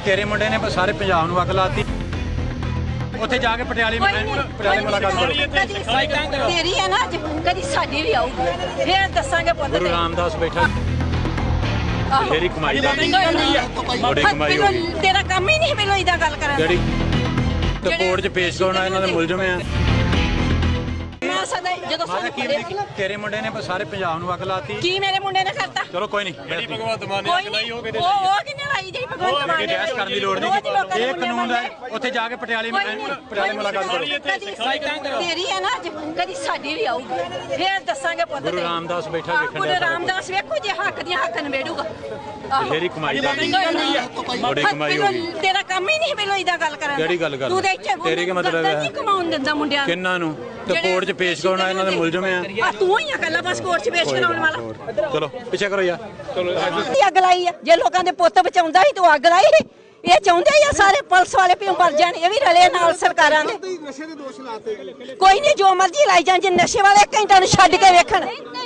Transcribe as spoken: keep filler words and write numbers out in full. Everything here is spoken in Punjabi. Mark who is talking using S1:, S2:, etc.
S1: ਤੇਰੇ ਮੁੰਡੇ ਨੇ ਸਾਰੇ ਪੰਜਾਬ ਨੂੰ ਅੱਗ ਲਾਤੀ। ਉੱਥੇ ਜਾ ਕੇ ਪਟਿਆਲੇ ਪਟਿਆਲੇ ਮੁਲਾਕਾਤ ਕਰੋ।
S2: ਤੇਰੀ ਹੈ ਨਾ ਅੱਜ, ਕਦੀ ਸਾਡੀ ਵੀ ਆਊਗੀ, ਫੇਰ ਦੱਸਾਂਗੇ ਪੁੱਤ।
S1: ਗੁਰੂ ਰਾਮਦਾਸ ਬੈਠਾ ਤੇਰੀ ਕਮਾਈ ਦਾ ਬੜੀ ਕਮਾਈ ਹੋ ਗਈ।
S2: ਤੇਰਾ ਕੰਮ ਹੀ ਨਹੀਂ ਮੈਨੂੰ ਇਦਾਂ ਗੱਲ ਕਰਨ
S1: ਜਿਹੜੀ ਤੇ ਕੋਰਟ 'ਚ ਪੇਸ਼ ਕਰਾਉਣਾ ਇਹਨਾਂ ਦੇ ਮੁਲਜ਼ਮ ਆ।
S2: ਮੈਂ ਸਦਾ ਜਦੋਂ
S1: ਮਾਤਾ ਕੀ ਤੇਰੇ ਮੁੰਡੇ ਨੇ ਸਾਰੇ ਪੰਜਾਬ ਨੂੰ ਅੱਗ ਲਾਤੀ।
S2: ਕੀ ਮੇਰੇ ਮੁੰਡੇ ਨੇ ਕਰਤਾ?
S1: ਚਲੋ ਕੋਈ ਨਹੀਂ, ਜਿਹੜੀ ਭਗਵੰਤ ਮਾਨ ਨੇ ਅੱਗ ਲਾਈ ਉਹ ਕਿਤੇ
S2: ਉਹ ਉਹ ਕਿੰਨੇ ਲਾਈ ਜਿਹੜੀ ਭਗਵੰਤ ਮਾਨ ਨੇ?
S1: ਬਹਿਸ ਕਰਨ ਦੀ ਲੋੜ ਨਹੀਂ, ਇਹ ਕਾਨੂੰਨ ਹੈ। ਉੱਥੇ ਜਾ ਕੇ ਪਟਿਆਲੇ ਪਟਿਆਲੇ ਮੁਲਾਕਾਤ ਕਰੋ।
S2: ਤੇਰੀ ਹੈ ਨਾ ਅੱਜ, ਕਦੀ ਸਾਡੀ ਵੀ ਆਊਗੀ, ਫੇਰ ਦੱਸਾਂਗੇ ਪੁੱਤ।
S1: ਗੁਰੂ ਰਾਮਦਾਸ ਬੈਠਾ ਵੇਖਣ
S2: ਗੁਰੂ ਰਾਮਦਾਸ ਵੇਖੋ ਜੇ ਹੱਕ ਦੀਆਂ ਹੱਕ ਨਵੇੜੂਗਾ।
S1: ਤੇਰੀ ਕਮਾਈ ਦਾ ਬੜੀ ਕਮਾਈ ਹੋ ਗਈ।
S2: ਤੇਰਾ ਕੰਮ ਹੀ ਨਹੀਂ ਮੈਨੂੰ ਇਦਾਂ ਗੱਲ ਕਰਨ।
S1: ਕਿਹੜੀ ਗੱਲ ਕਰ?
S2: ਤੂੰ ਦੇਖ
S1: ਤੇਰੀ ਕੀ ਮਤਲਬ ਹੈ?
S2: ਨਹੀਂ ਕਮਾਉਣ ਦਿੰਦਾ ਮੁੰਡਿਆਂ ਨੂੰ।
S1: ਕਿੰਨਾਂ ਨੂੰ? ਤੇ ਕੋਰਟ 'ਚ ਪੇਸ਼ ਕਰਾਉਣਾ ਇਹਨਾਂ ਦੇ ਮੁਲਜ਼ਮ ਆ।
S2: ਤੂੰ ਹੀ ਆ ਕੱਲਾ ਬਸ ਕੋਰਟ 'ਚ ਪੇਸ਼ ਕਰਾਉਣ ਵਾਲਾ।
S1: ਚਲੋ ਪਿੱਛੇ ਕਰੋ ਯਾਰ। ਚਲੋ
S2: ਅੱਗ ਲਾਈ ਆ, ਜੇ ਲੋਕਾਂ ਦੇ ਪੁੱਤ ਬਚਾਉਂਦਾ ਸੀ ਤੂੰ ਅੱਗ ਲਾਈ। ਇਹ ਚਾਹੁੰਦੇ ਆ ਸਾਰੇ ਪੁਲਿਸ ਵਾਲੇ ਵੀ ਮਰ ਜਾਣ, ਇਹ ਵੀ ਰਲੇ ਨਾਲ ਸਰਕਾਰਾਂ ਦੇ।
S3: ਨਸ਼ੇ ਦੇ ਦੋਸ਼ ਲਾਤੇ।
S2: ਕੋਈ ਨਹੀਂ, ਜੋ ਮਰਜ਼ੀ ਲਾਈ ਜਾਣ, ਜੇ ਨਸ਼ੇ ਵਾਲੇ ਘੰਟਾ ਨੂੰ ਛੱਡ ਕੇ ਵੇਖਣ।